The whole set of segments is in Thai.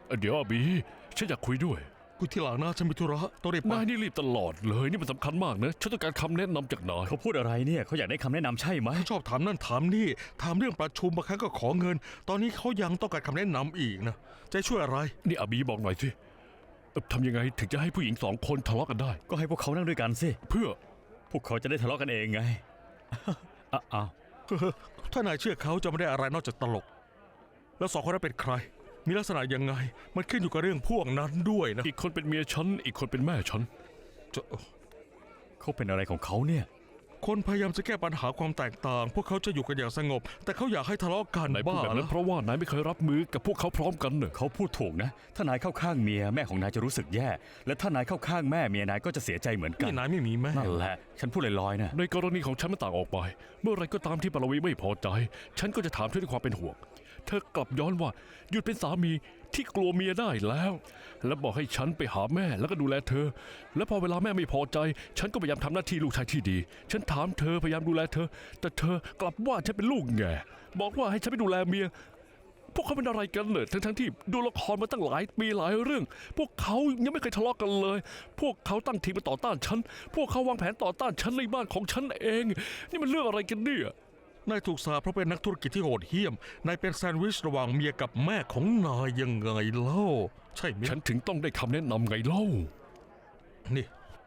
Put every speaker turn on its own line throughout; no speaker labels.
เดี๋ยวอาบีฉันอยากคุยด้วย
กูที่หลังนะฉันมีธุระต้องรีบไป
นายนี่รีบตลอดเลยนี่มันสำคัญมากนะฉันต้องการคำแนะนำจากนาย
เขาพูดอะไรเนี่ยเขาอยากได้คำแนะนำใช่ไหม
เขาชอบถามนั่นถามนี่ถามเรื่องประชุมบางครั้งก็ขอเงิน ตอนนี้เขายังต้องการคำแนะนำอีกนะจะช่วยอะไร
นี่อาบีบอกหน่อยสิทำยังไงถึงจะให้ผู้หญิง2 คนทะเลาะกันได้
ก็ให้พวกเขานั่งด้วยกันสิ
เพื่อ
พวกเขาจะได้ทะเลาะกันเองไง อ้าว
ถ้านายเชื่อเขาจะไม่ได้อะไรนอกจากตลก แล้ว2 คนนั้นเป็นใคร มีลักษณะยังไง มันขึ้นอยู่กับเรื่องพวกนั้นด้วยนะ
อีกคนเป็นเมียฉันอีกคนเป็นแม่ฉัน
จะ
เขาเป็นอะไรของเขาเนี่ย
คนพยายามจะแก้ปัญหาความแตกต่าง พวกเขาจะอยู่กันอย่างสงบ แต่เขาอยากให้ทะเลาะกัน
นายพูด
บ้า
แบบนั้
แล้
น
ว
เพราะว่านายไม่เคยรับมือกับพวกเขาพร้อมกันเนอะ
เขาพูดถูกนะ ถ้านายเข้าข้างเมียแม่ของนายจะรู้สึกแย่ และถ้านายเข้าข้างแม่เมียนายก็จะเสียใจเหมือนกั
นี่
น
นายไม่มีแม่
นั่นแหละ ฉันพูดลอยๆนะ
ในกรณีของฉันมันต่างออกไป เมื่อไรก็ตามที่ปารวีไม่พอใจ ฉันก็จะถามเธอด้วยความเป็นห่วง เธอกลับย้อนว่าหยุดเป็นสามีที่กลัวเมียได้แล้ว และบอกให้ฉันไปหาแม่แล้วก็ดูแลเธอ และพอเวลาแม่ไม่พอใจ ฉันก็พยายามทำหน้าที่ลูกชายที่ดี ฉันถามเธอพยายามดูแลเธอ แต่เธอกลับว่าฉันเป็นลูกแง่บอกว่าให้ฉันไปดูแลเมีย พวกเขาเป็นอะไรกันเนี่ยทั้งที่ดูละครมาตั้งหลายปีหลายเรื่อง พวกเขายังไม่เคยทะเลาะกันเลย พวกเขาตั้งทีมมาต่อต้านฉัน พวกเขาวางแผนต่อต้านฉันในบ้านของฉันเอง นี่มันเรื่องอะไรกันเนี่ย
นายถูกสาปเพราะเป็นนักธุรกิจที่โหดเหี้ยม นายเป็นแซนด์วิชระหว่างเมียกับแม่ของนายยังไงเล่า ใช่ไหม
ฉันถึงต้องได้คำแนะนำไงเล่า
นี่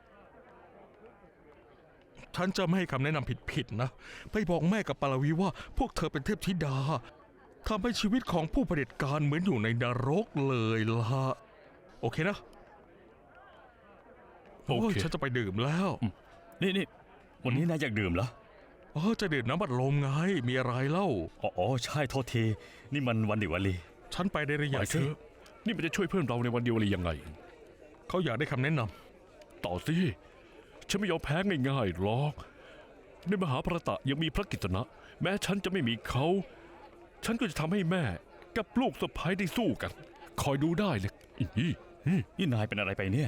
ฉันจะไม่ให้คำแนะนำผิดๆนะ ไปบอกแม่กับปาลวีว่า พวกเธอเป็นเทพธิดาทำให้ชีวิตของผู้เผด็จการเหมือนอยู่ในนรกเลยล่ะ โอเคนะ
โอเค
ยฉันจะไปดื่มแล้ว
นี่วันนี้นายอยากดื่มเหรอ
จะดื่มน้ำบัดลมไง มีอะไรเล่า
อ๋อใช่โทษที นี่มันวันดิวาลี
ฉันไปได้หรือ
ไป
ยัง
เถอะนี่มันจะช่วยเพื่อนเราในวันเดียวเลยยังไง
เขาอยากได้คำแนะนำ
ต่อสิฉันไม่ยอมแพ้ง่ายๆหรอกในมหาภารตะยังมีพระกิตนะแม้ฉันจะไม่มีเขา ฉันก็จะทำให้แม่กับลูกสะใภ้ได้สู้กัน คอยดูได้เลยอี
นี่นายเป็นอะไรไปเนี่ย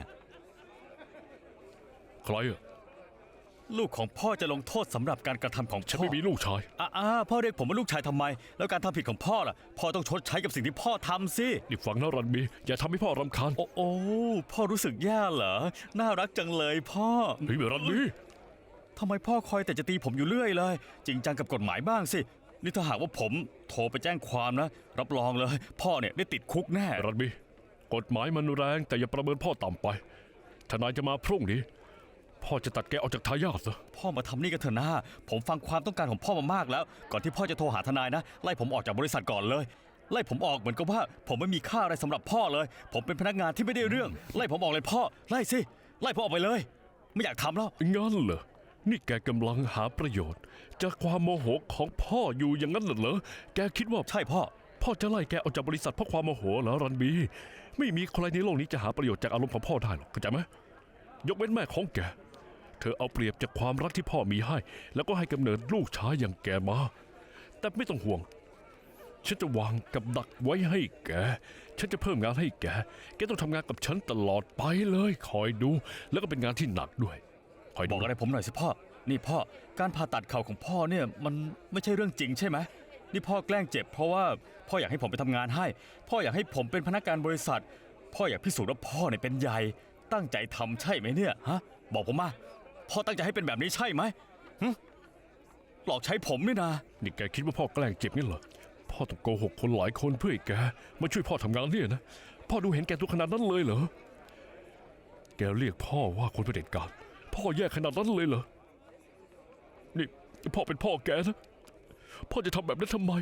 ใครอะ
ลูกของพ่อจะลงโทษสำหรับการกระทำของ
ฉัน
พ่อ
ไม่มีลูกชาย
พ่อเรียกผมว่าลูกชายทำไม แล้วการทำผิดของพ่อล่ะ พ่อต้องชดใช้กับสิ่งที่พ่อทำสิ
นี่ฟังนะรันบีอย่าทำให้พ่อรำคาญ
โอ้พ่อรู้สึกแย่เหรอ น่ารักจังเลยพ่อ
เฮ้ยรันบี
ทำไมพ่อคอยแต่จะตีผมอยู่เรื่อยเลย จริงจังกับกฎหมายบ้างสิ นี่ถ้าหากว่าผมโทรไปแจ้งความนะ รับรองเลย พ่อเนี่ยได้ติดคุกแน่
รันบีกฎหมายมันแรงแต่อย่าประเมินพ่อต่ำไปทนายจะมาพรุ่งนี้พ่อจะตัดแกออกจากทายาทซะ
พ่อมาทำนี่กันเถอะนะผมฟังความต้องการของพ่อมามากแล้ว ก่อนที่พ่อจะโทรหาทนายนะ ไล่ผมออกจากบริษัทก่อนเลย ไล่ผมออกเหมือนกับว่า ผมไม่มีค่าอะไรสำหรับพ่อเลย ผมเป็นพนักงานที่ไม่ได้เรื่อง ไล่ผมออกเลยพ่อ ไล่สิ ไล่ผมออกไปเลย ไม่อยากทำแล้ว
งั้นเหรอนี่แกกำลังหาประโยชน์ จากความโมโหของพ่ออยู่อย่างนั้นเหรอแกคิดว่า
ใช่พ่อ
พ่อจะไล่แกออกจากบริษัทเพราะความโมโหเหรอรันบีไม่มีใครในโลกนี้จะหาประโยชน์จากอารมณ์ของพ่อได้หรอกเข้าใจไหมยกเว้นแม่ของแกเธอเอาเปรียบจากความรักที่พ่อมีให้ แล้วก็ให้กำเนิดลูกชายอย่างแกมาแต่ไม่ต้องห่วงฉันจะวางกับดักไว้ให้แกฉันจะเพิ่มงานให้แกต้องทำงานกับฉันตลอดไปเลยคอยดูแล้วก็เป็นงานที่หนักด้วยคอย
บ
ดู
อกอะไรผมหน่อยสิพ่อ นี่พ่อ การผ่าตัดเข่าของพ่อเนี่ยมันไม่ใช่เรื่องจริงใช่ไหม นี่พ่อแกล้งเจ็บเพราะว่าพ่ออยากให้ผมไปทำงานให้ พ่ออยากให้ผมเป็นพนักงานบริษัท พ่ออยากพิสูจน์ว่าพ่อเนี่ยเป็นใหญ่ ตั้งใจทำใช่ไหมเนี่ยฮะ บอกผมมา พ่อตั้งใจให้เป็นแบบนี้ใช่ไหมหลอกใช้ผมนี่นะ
นี่แกคิดว่าพ่อแกล้งเจ็บงั้นเหรอพ่อต้องโกหกคนหลายคนเพื่อให้แกมาช่วยพ่อทำงานเนี่ยนะพ่อดูเห็นแกตัวขนาดนั้นเลยเหรอแกเรียกพ่อว่าคนเผด็จการพ่อแย่ขนาดนั้นเลยเหรอนี่พ่อเป็นพ่อแกนะพ่อจะทำแบบนั้นทำไม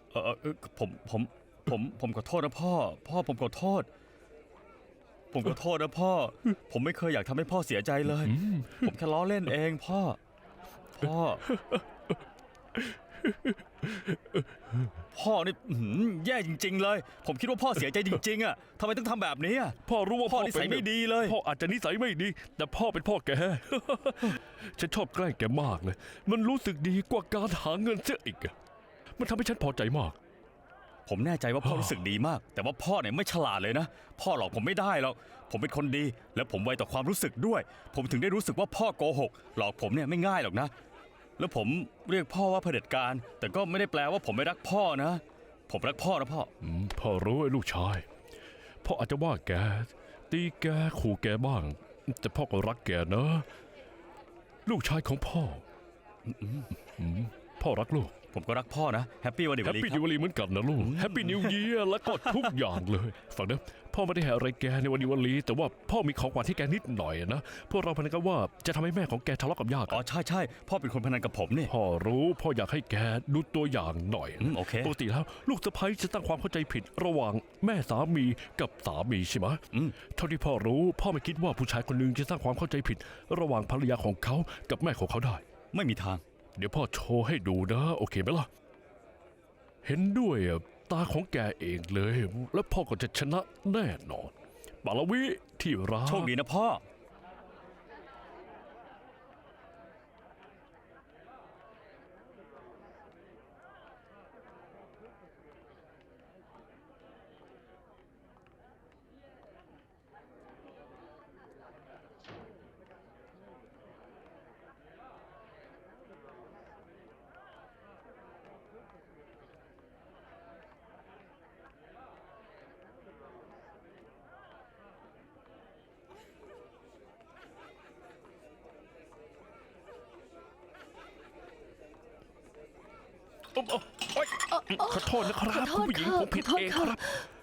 ผมขอโทษนะพ่อ ผมขอโทษ ผมขอโทษนะพ่อ ผมไม่เคยอยากทำให้พ่อเสียใจเลย ผมแค่ล้อเล่นเองพ่อ พ่อนี่แย่จริงๆเลย ผมคิดว่าพ่อเสียใจจริงๆอ่ะทำไมต้องทำแบบนี้อ่ะ
พ่อรู้ว่า
พ่อนิสัยไม่ดีเลย
พ่ออาจจะนิสัยไม่ดี แต่พ่อเป็นพ่อแก ฉันชอบแกล้งแกมากเลย มันรู้สึกดีกว่าการหาเงินเสียอีกอะมันทำให้ฉันพอใจมาก
ผมแน่ใจว่าพ่อรู้สึกดีมาก แต่ว่าพ่อเนี่ยไม่ฉลาดเลยนะ พ่อหลอกผมไม่ได้หรอก ผมเป็นคนดี และผมไวต่อความรู้สึกด้วย ผมถึงได้รู้สึกว่าพ่อโกหก หลอกผมเนี่ยไม่ง่ายหรอกนะ แล้วผมเรียกพ่อว่าเผด็จการ แต่ก็ไม่ได้แปลว่าผมไม่รักพ่อนะ ผมรักพ่อนะพ่อ
พ่อรู้ไอ้ลูกชายพ่ออาจจะว่าแกตีแกขู่แกบ้าง แต่พ่อก็รักแกนะ ลูกชายของพ่อพ่อรักลูก
ผมก็รักพ่อนะแฮปปี้วันเด็ก
แฮป
วัน
ปี้
ครั
นิ
บ
ว ลีเหมือนกันนะลูกแฮปปี้นิวเยียร์แล้วก็ทุกอย่างเลยฟังนะพ่อไม่ได้ให้อะไรแกในวันนิวลีแต่ว่าพ่อมีของขวัญให้แกนิดหน่อยนะพวกเราพนันกันว่าจะทำให้แม่ของแกทะเลาะกับย่า
อ๋
กั
อนใช่พ่อเป็นคนพนันกับผมนี่
พ่อรู้พ่ออยากให้แกดูตัวอย่างหน่อยนะ
โอเค
ปกติแล้วลูกสะใภ้จะตั้งความเข้าใจผิดระหว่างแม่สามีกับสามีใช่ไหม
อืม
เท่าที่พ่อรู้พ่อไม่คิดว่าผู้ชายคนหนึงจะสร้างความเข้าใจผิด ระหว่างภรรยาของเขากับแม่ของเขาได้
ไม่มีทาง
เดี๋ยวพ่อโชว์ให้ดูนะโอเคไหมล่ะ เห็นด้วยอ่ะตาของแกเองเลย แล้วพ่อก็จะชนะแน่นอนปาลวิที่รัก
โชคดีนะพ่อ
โอ๊ยขอโทษนะครับ
ขอโท
คุณ
ษ
ผู้หญิง
ค่ะ
ผมผิด
ขอโทษ
เอง
ค่ะ
ครับ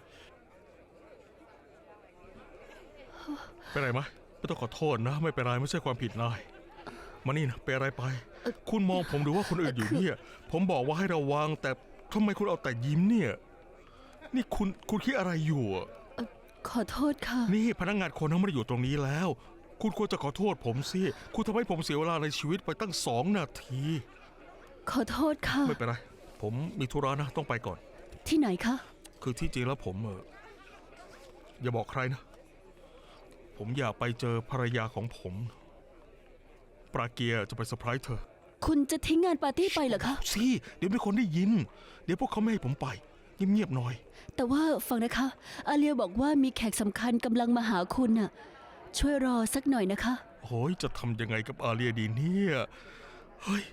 เป็นไรไหมไม่ต้องขอโทษนะ ไม่เป็นไรไม่ใช่ความผิดนายมานี่นะเป็นอะไรไป คุณมองผมดูว่าคนอื่นอยู่เนี่ย ผมบอกว่าให้ระวัง แต่ทำไมคุณเอาแต่ยิ้มเนี่ย นี่คุณคิดอะไรอยู่อะ
ขอโทษค่ะ
นี่พนักงานคนนั้นไม่ได้อยู่ตรงนี้แล้ว คุณควรจะขอโทษผมสิคุณทำให้ผมเสียเวลาในชีวิตไปตั้ง2 นาที
ขอโทษค่ะ
ไม่เป็นไร ผมมีธุระนะต้องไปก่อน
ที่ไหนคะ
คือที่จริงแล้วผมอย่าบอกใครนะ ผมอยากไปเจอภรรยาของผม ปราเกียจะไปเซอร์ไพรส์เธอ
คุณจะทิ้งงานปาร์ตี้ไปเหรอคะ
สิเดี๋ยวมีคนได้ยิน เดี๋ยวพวกเขาไม่ให้ผมไปเงียบๆหน่อย
แต่ว่าฟังนะคะ อาเลียบอกว่ามีแขกสำคัญกำลังมาหาคุณน่ะ ช่วยรอสักหน่อยนะคะ
โอ้ยจะทำยังไงกับอาเลียดีเนี่ยเฮ้ย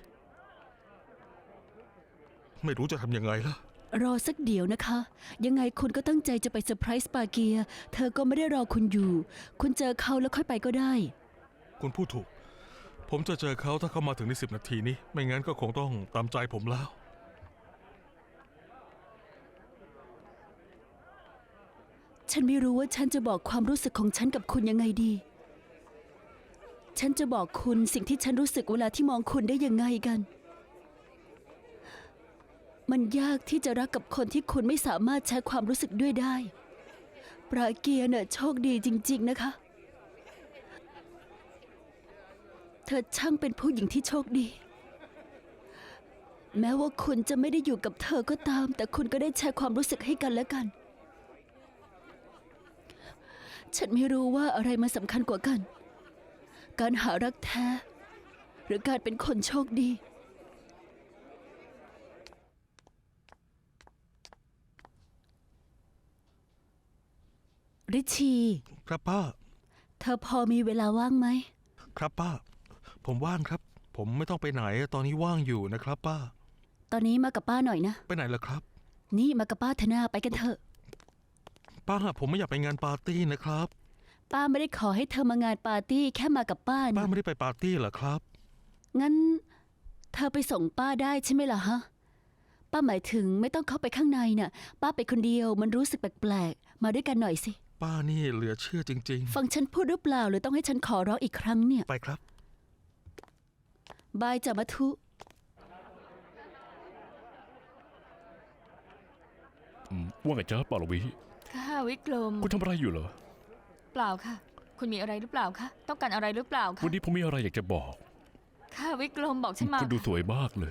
ไม่รู้จะทำยังไงล่ะ
รอสักเดี๋ยวนะคะ ยังไงคุณก็ตั้งใจจะไปเซอร์ไพรส์ปาเกีย เธอก็ไม่ได้รอคุณอยู่ คุณเจอเขาแล้วค่อยไปก็ได้
คุณพูดถูก ผมจะเจอเขาถ้าเขามาถึงใน10 นาทีนี้ ไม่งั้นก็คงต้องตามใจผมแล้ว
ฉันไม่รู้ว่าฉันจะบอกความรู้สึกของฉันกับคุณยังไงดี ฉันจะบอกคุณสิ่งที่ฉันรู้สึกเวลาที่มองคุณได้ยังไงกัน มันยากที่จะรักกับคนที่คุณไม่สามารถใช้ความรู้สึกด้วยได้ ปราเกียร์น่ะโชคดีจริงๆนะคะ เธอช่างเป็นผู้หญิงที่โชคดี แม้ว่าคุณจะไม่ได้อยู่กับเธอก็ตาม แต่คุณก็ได้แชร์ความรู้สึกให้กันและกัน ฉันไม่รู้ว่าอะไรมาสำคัญกว่ากัน การหารักแท้ หรือการเป็นคนโชคดี ริชี
ครับป้า
เธอพอมีเวลาว่างไหม
ครับป้า ผมว่างครับ ผมไม่ต้องไปไหนตอนนี้ว่างอยู่นะครับ ป้า
ตอนนี้มากับป้าหน่อยนะ
ไปไหนล่ะครับ
นี่มากับป้าเถอะนาไปกันเถอะ
ป้าผมไม่อยากไปงานปาร์ตี้นะครับ
ป้าไม่ได้ขอให้เธอมางานปาร์ตี้แค่มากับป้า
ป้า
นะ
ไม่ได้ไปปาร์ตี้เหรอครับ
งั้น เธอไปส่งป้าได้ใช่ไหมล่ะฮะ ป้าหมายถึงไม่ต้องเข้าไปข้างในน่ะ ป้าไปคนเดียวมันรู้สึกแปลกๆ มาด้วยกันหน่อยสิ
ป้านี่เหลือเชื่อจริง
ฟังฉันพูดหรือเปล่าหรือต้องให้ฉันขอร้องอีกครั้งเนี่ย
ๆ ไปครับ
บายจ้ะมัทุ
ว่าไงจ๊ะปาลวิ
ค่ะวิกลม
คุณทำอะไรอยู่เหรอ
เปล่าค่ะ คุณมีอะไรหรือเปล่าคะต้องการอะไรหรือเปล่าคะ
วันนี้ผมมีอะไรอยากจะบอก
ค่ะวิกลมบอกฉันมา
คุณดูสวยมากเลย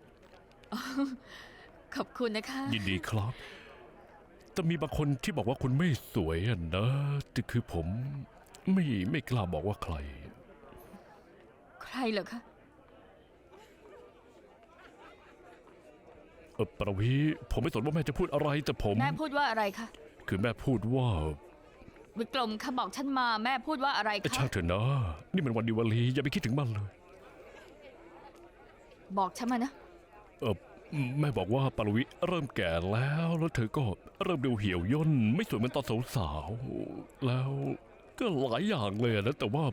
ขอบคุณนะคะ
ยินดีครับ แต่มีบางคนที่บอกว่าคุณไม่สวยอะนะแต่คือผมไม่กล้าบอกว่าใคร
ใครเหรอคะ
ปาลวิผมไม่สนว่าแม่จะพูดอะไรแต่ผม
แม่พูดว่าอะไรคะ
คือแม่พูดว่า
วิกลมค่ะบอกฉันมาแม่พูดว่าอะไร
ช่า
คะ
งเถอะนะ นี่มันวันดิวาลีอย่าไปคิดถึงมันเลย
บอกฉันมานะ
แม่บอกว่าปารวิเริ่มแก่แล้วเธอก็เริ่มดูเหี่ยวย่นไม่สวยเหมือนตอนสาวๆแล้วก็หลายอย่างเลยนะแต่ว่า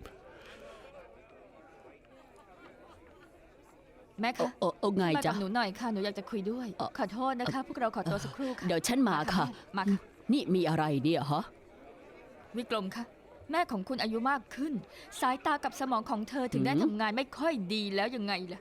แม่คะ
โอ้ไง
มา
จ๊ะ
กับหนูหน่อยค่ะหนูอยากจะคุยด้วย ขอโทษนะคะ พวกเราขอตัวสักครู่ค่ะ
เดี๋ยวฉันมาค่ะ
มาค่ะ
นี่มีอะไรเนี่ยฮะ
วิกรมค่ะ แม่ของคุณอายุมากขึ้น สายตากับสมองของเธอถึงได้ทำงานไม่ค่อยดีแล้วยังไงล่ะ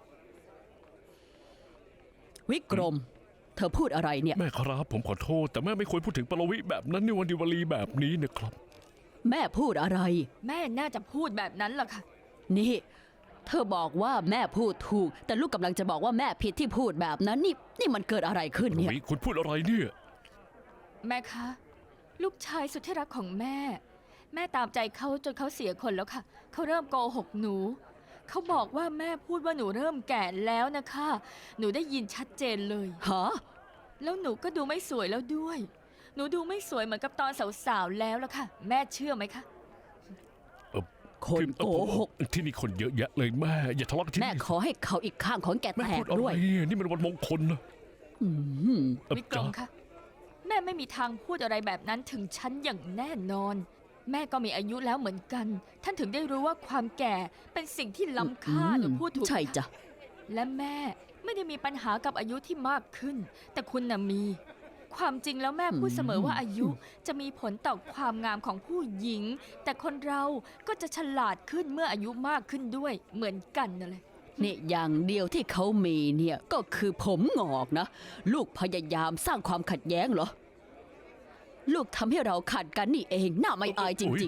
วิกรม เธอพูดอะไรเนี่ย
แม่ครับผมขอโทษ แต่แม่ไม่ควรพูดถึงปารวิแบบนั้นในวันดิวาลีแบบนี้นะครับ
แม่พูดอะไร
แม่น่าจะพูดแบบนั้นล่ะค่ะ
นี่ เธอบอกว่าแม่พูดถูก แต่ลูกกำลังจะบอกว่าแม่ผิดที่พูดแบบนั้น นี่มันเกิดอะไรขึ้น
ปาร
เนี่ย
วิคุณพูดอะไรเนี่ย
แม่คะ ลูกชายสุดที่รักของแม่ แม่ตามใจเขาจนเขาเสียคนแล้วค่ะ เขาเริ่มโกหกหนู เขาบอกว่าแม่พูดว่าหนูเริ่มแก่แล้วนะคะ หนูได้ยินชัดเจนเลย
ฮะ
แล้วหนูก็ดูไม่สวยแล้วด้วย หนูดูไม่สวยเหมือนกับตอนสาวๆแล้วล่ะค่ะ แม่เชื่อไหมคะ
คนโกหก
ที่นี่คนเยอะแยะเลยแม่ อย่าทะเลาะกันที่
แม่
นี่
ขอให้เขาอีกข้างของแก
แม่
แต
พู
ก
ดอะไร
ด้วย
เนี่ยนี่มันวันมงคลนะ
อืม
วิกรมคะแม่ไม่มีทางพูดอะไรแบบนั้นถึงฉันอย่างแน่นอน แม่ก็มีอายุแล้วเหมือนกัน ท่านถึงได้รู้ว่าความแก่เป็นสิ่งที่ล้ำค่าหนูพูดถูก
ใช่
ไหมค
จ้ะ
และแม่ไม่ได้มีปัญหากับอายุที่มากขึ้น แต่คุณน่ะมี ความจริงแล้วแม่พูดเสมอว่าอายุจะมีผลต่อความงามของผู้หญิง แต่คนเราก็จะฉลาดขึ้นเมื่ออายุมากขึ้นด้วยเหมือนกันนั่นแหละ
เนี่ยอย่างเดียวที่เขามีเนี่ยก็คือผมงอกนะ ลูกพยายามสร้างความขัดแย้งเหรอ ลูกทำให้เราขัดกันนี่เองน่าไม่อายจริง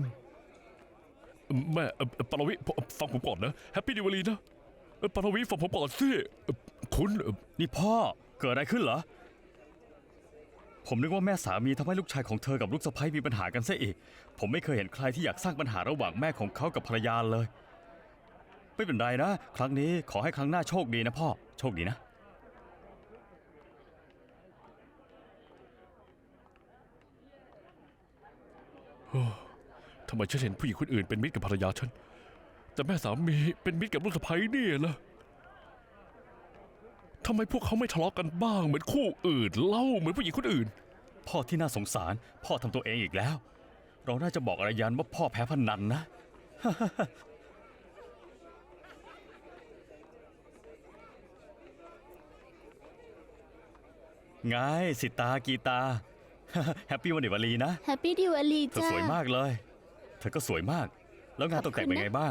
ๆ
แม่ปารวิฟังผมก่อนนะแฮปปี้ดิวาลีนะปารวิฟังผมก่อนสิคุณ
นี่พ่อเกิดอะไรขึ้นเหรอ ผมนึกว่าแม่สามีทำให้ลูกชายของเธอกับลูกสะใภ้มีปัญหากันซะอีก ผมไม่เคยเห็นใครที่อยากสร้างปัญหาระหว่างแม่ของเขากับภรรยาเลย ไม่เป็นไรนะ ครั้งนี้ขอให้ครั้งหน้าโชคดีนะพ่อ โชคดีนะ
ทำไมฉันเห็นผู้หญิงคนอื่นเป็นมิตรกับภรรยาฉัน แต่แม่สามีเป็นมิตรกับลูกสะใภ้เนี่ยล่ะทำไมพวกเขาไม่ทะเลาะกันบ้างเหมือนคู่อื่นเล่าเหมือนผู้หญิงคนอื่น
พ่อที่น่าสงสาร พ่อทำตัวเองอีกแล้ว เราน่าจะบอกอารยันว่าพ่อแพ้พนันนะ ไงสิตากีตา แฮปปี้วันเดวาลีนะ
แฮปปี้ดิวาลี
เธอ
จ้า
สวยมากเลย เธอก็สวยมาก แล้วงานตกแต่งเป็นไงบ้าง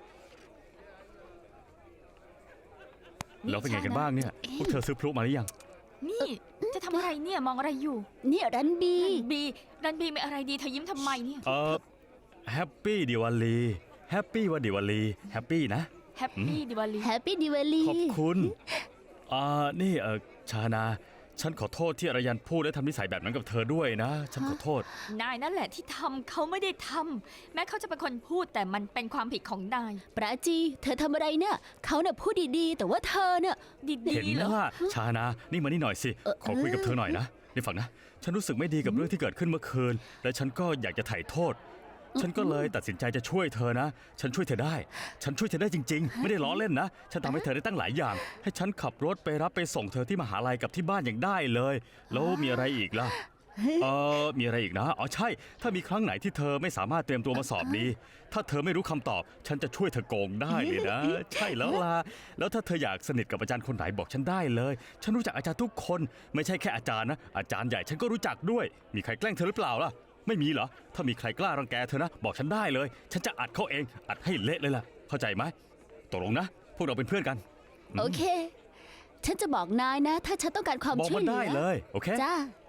แล้วเป็นไงกันบ้างเนี่ย พวกเธอซื้อพลุมาหรือยัง
นี่จะทำอะไรเนี่ยมองอะไรอยู่
เนี่ยรันบี
รันบีมีอะไรดีเธอยิ้มทำไมเนี่ย
แฮปปี้ดิวาลีแฮปปี้วันดิวาลีแฮปปี้นะ
แฮปปี้ดิวาลี
แฮปปี้ดิวาลี
ขอบคุณนี่ชานา ฉันขอโทษที่อารยันพูดและทำนิสัยแบบนั้นกับเธอด้วยนะ ฉันขอโทษ
นายนั่นแหละที่ทำเขาไม่ได้ทำแม้เขาจะเป็นคนพูดแต่มันเป็นความผิดของนาย
ปราจี เธอทำอะไรเนี่ยเขาเนี่ยพูดดีๆ แต่ว่าเธอเนี่ย
ดี
เห็น
ๆเหรอ
ว่าชานา นี่มานี่หน่อยสิ ขอคุยกับเธอหน่อยนะนี่ฟังนะ ฉันรู้สึกไม่ดีกับเรื่องที่เกิดขึ้นเมื่อคืน และฉันก็อยากจะไถ่โทษ ฉันก็เลยตัดสินใจจะช่วยเธอนะ ฉันช่วยเธอได้ ฉันช่วยเธอได้จริง ๆ ไม่ได้ล้อเล่นนะ ฉันทำให้เธอได้ตั้งหลายอย่าง ให้ฉันขับรถไปรับไปส่งเธอที่มหาลัยกับที่บ้านอย่างได้เลย แล้วมีอะไรอีกล่ะ มีอะไรอีกนะ อ๋อใช่ ถ้ามีครั้งไหนที่เธอไม่สามารถเตรียมตัวมาสอบดี ถ้าเธอไม่รู้คำตอบ ฉันจะช่วยเธอโกงได้เลยนะ ใช่แล้วล่ะ แล้วถ้าเธออยากสนิทกับอาจารย์คนไหนบอกฉันได้เลย ฉันรู้จักอาจารย์ทุกคน ไม่ใช่แค่อาจารย์นะ อาจารย์ใหญ่ฉันก็รู้จักด้วย มีใครแกล้งเธอหรือเปล่าล่ะ ไม่มีเหรอ ถ้ามีใครกล้ารังแกเธอนะ บอกฉันได้เลย ฉันจะอัดเขาเอง อัดให้เละเลยล่ะ เข้าใจไหมตกลงนะ พวกเราเป็นเพื่อนกัน
โอเค ฉันจะบอกนายนะ ถ้าฉันต้องการความ
บอก
ช่ว
มั
ย
น
เหลื
ได้
อ
เลย โอเค
จ้า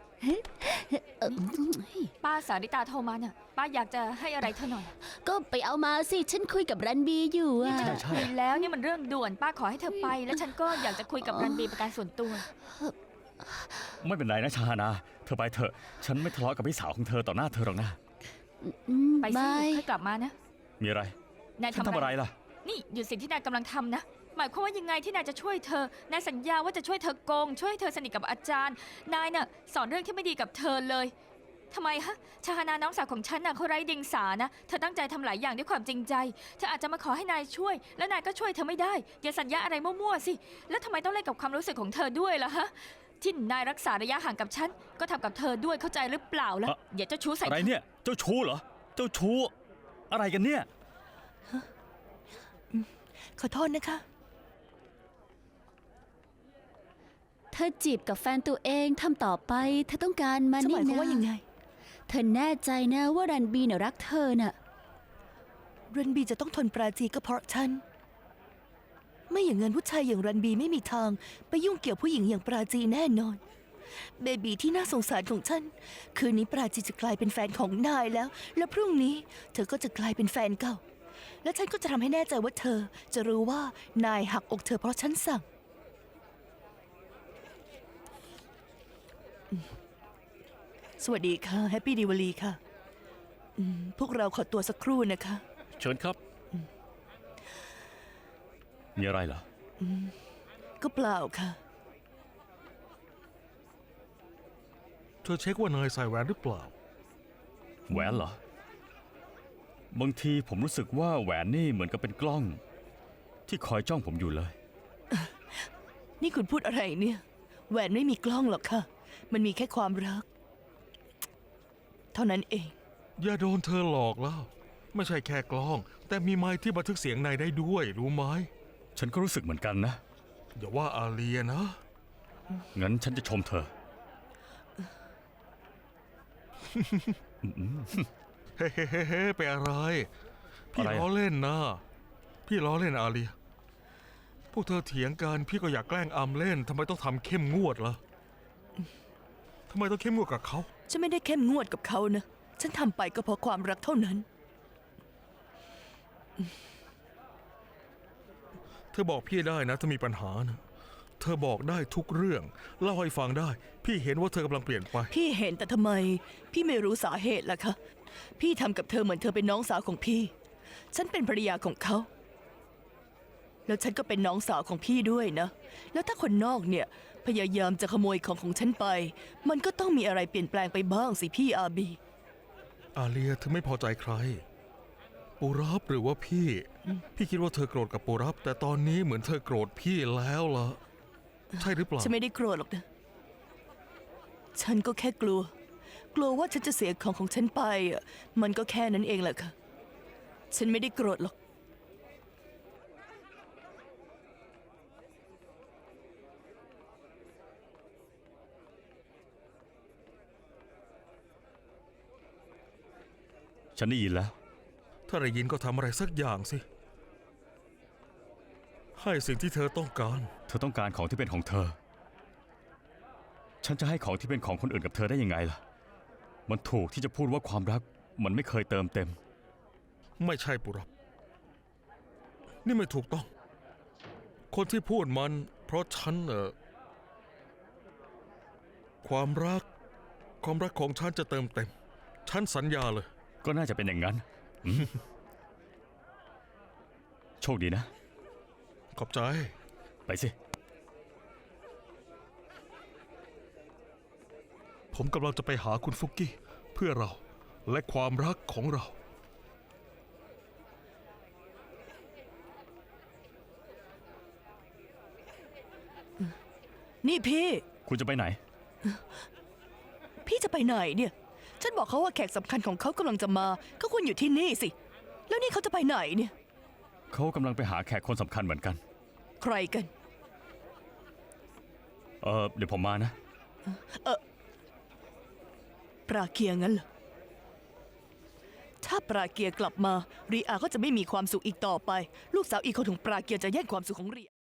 ป้าสาริตาโทรมาน่ะป้าอยากจะให้อะไรเธอหน่อย
ก็ไปเอามาสิ ฉันคุยกับรันบีอยู่
นี่
อะ
ไม่ต้องคุยแล้วนี่มันเรื่องด่วนป้าขอให้เธอไป แล้วฉันก็อยากจะคุยกับรันบีเป็นการส่วนตัว
ไม่เป็นไรนะชานา เธอไปเถอะ ฉันไม่ทะเลาะกับพี่สาวของเธอต่อหน้าเธอหรอกนะ
ไปสิ
บาย
ค่อยกลับมานะ
มีอะไร
นาย
ฉัน
ทำ
ทำ
อะ
อะไร ไรล่ะ
นี่หยุดสิ่งที่นายกำลังทำนะ หมายความว่ายังไงที่นายจะช่วยเธอ นายสัญญาว่าจะช่วยเธอโกง ช่วยให้เธอสนิทกับอาจารย์ นายน่ะสอนเรื่องที่ไม่ดีกับเธอเลยทำไมฮะชาฮานาน้องสาวของฉันน่ะเขาไร้เดียงสานะเธอตั้งใจทำหลายอย่างด้วยความจริงใจเธออาจจะมาขอให้นายช่วย แล้วนายก็ช่วยเธอไม่ได้อย่าสัญญาอะไรมั่วๆสิแล้วทำไมต้องเล่นกับความรู้สึกของเธอด้วยล่ะฮะที่นายรักษาระยะห่างกับฉันก็ทำกับเธอด้วยเข้าใจหรือเปล่าล่ะอย่าเจ้าชู้ใส่
อะไรเนี่ย เจ้าชู้เหรอ เจ้าชู้ อะไรกันเนี่ย
ขอโทษนะคะ
เธอจีบกับแฟนตัวเองทำต่อไปเธอต้องการมัน
จะห
นี่
มายความ
นะ
ว่ายังไง
เธอแน่ใจนะว่ารันบีน่ะรักเธอน่ะ
รันบีจะต้องทนปราจีก็เพราะฉัน ไม่อย่างนั้นผู้ชายอย่างรันบีไม่มีทาง ไปยุ่งเกี่ยวผู้หญิงอย่างปราจีแน่นอน เบบีที่น่าสงสารของฉัน คืนนี้ปราจีจะกลายเป็นแฟนของนายแล้ว และพรุ่งนี้เธอก็จะกลายเป็นแฟนเก่า และฉันก็จะทำให้แน่ใจว่าเธอจะรู้ว่านายหักอกเธอเพราะฉันสั่ง สวัสดีค่ะแฮปปี้ดีวลีค่ะพวกเราขอตัวสักครู่นะคะ
เชิญครับ
มีอะไรเหรอ
ก็เปล่าค่ะ
เธอเช็คว่านายใส่แหวนหรือเปล่า
แหวนเหรอ บางทีผมรู้สึกว่าแหวนนี่เหมือนกับเป็นกล้อง ที่คอยจ้องผมอยู่เลย
นี่คุณพูดอะไรเนี่ย แหวนไม่มีกล้องหรอกค่ะ มันมีแค่ความรัก เท่านั้นเอง
อย่าโดนเธอหลอกแล้ว ไม่ใช่แค่กล้อง แต่มีไมค์ที่บันทึกเสียงนายได้ด้วย รู้ไหม
ฉันก็รู้สึกเหมือนกันนะ
อย่าว่าอาเลียนะ
งั้นฉันจะชมเธอ
เฮ้เฮ้เฮ้เฮ้ไปอะไร พี่
อะไรอะ
ล้อเล่นนะ พี่ล้อเล่นอาเลีย พวกเธอเถียงกันพี่ก็อยากแกล้งอำเล่นทำไมต้องทำเข้มงวดล่ะทำไมต้องเข้มงวดกับเขา
ฉันไม่ได้เข้มงวดกับเขานะ ฉันทำไปก็เพราะความรักเท่านั้น
เธอบอกพี่ได้นะถ้ามีปัญหานะเธอบอกได้ทุกเรื่องเล่าให้ฟังได้ พี่เห็นว่าเธอกำลังเปลี่ยนไป
พี่เห็นแต่ทำไม พี่ไม่รู้สาเหตุล่ะคะ พี่ทำกับเธอเหมือนเธอเป็นน้องสาวของพี่ ฉันเป็นภรรยาของเขา แล้วฉันก็เป็นน้องสาวของพี่ด้วยนะ แล้วถ้าคนนอกเนี่ยพยายามจะขโมยของฉันไป มันก็ต้องมีอะไรเปลี่ยนแปลงไปบ้างสิพี่อาบี
อาเลียเธอไม่พอใจใคร ปูรับหรือว่าพี่ พี่คิดว่าเธอโกรธกับปูรับ แต่ตอนนี้เหมือนเธอโกรธพี่แล้วล่ะ ใช่หรือเปล่า
ฉันไม่ได้โกรธหรอกนะ ฉันก็แค่กลัว กลัวว่าฉันจะเสียของฉันไปอ่ะมันก็แค่นั้นเองแหละค่ะ ฉันไม่ได้โกรธหรอก
ฉันได้ยินแล้ว
ถ้าได้ยินก็ทำอะไรสักอย่างสิ ให้สิ่งที่เธอต้องการ
เธอต้องการของที่เป็นของเธอ ฉันจะให้ของที่เป็นของคนอื่นกับเธอได้ยังไงล่ะ มันถูกที่จะพูดว่าความรักมันไม่เคยเติมเต็ม
ไม่ใช่ปูรับ นี่ไม่ถูกต้อง คนที่พูดมัน เพราะฉันความรักของฉันจะเติมเต็ม ฉันสัญญาเลย
ก็น่าจะเป็นอย่างนั้นโชคดีนะ
ขอบใจ
ไปสิ
ผมกำลังจะไปหาคุณฟุกกี้ เพื่อเราและความรักของเรา
นี่พี่
คุณจะไปไหน
พี่จะไปไหนเนี่ย ฉันบอกเขาว่าแขกสำคัญของเขากำลังจะมา ก็ควรอยู่ที่นี่สิ แล้วนี่เขาจะไปไหนเนี่ย
เขากำลังไปหาแขกคนสำคัญเหมือนกัน
ใครกัน
เดี๋ยวผมมานะ
ปราเกียงั้นเหรอ ถ้าปราเกียกลับมา รีอาก็จะไม่มีความสุขอีกต่อไป ลูกสาวอีกคนของปราเกียจะแย่งความสุขของรีอา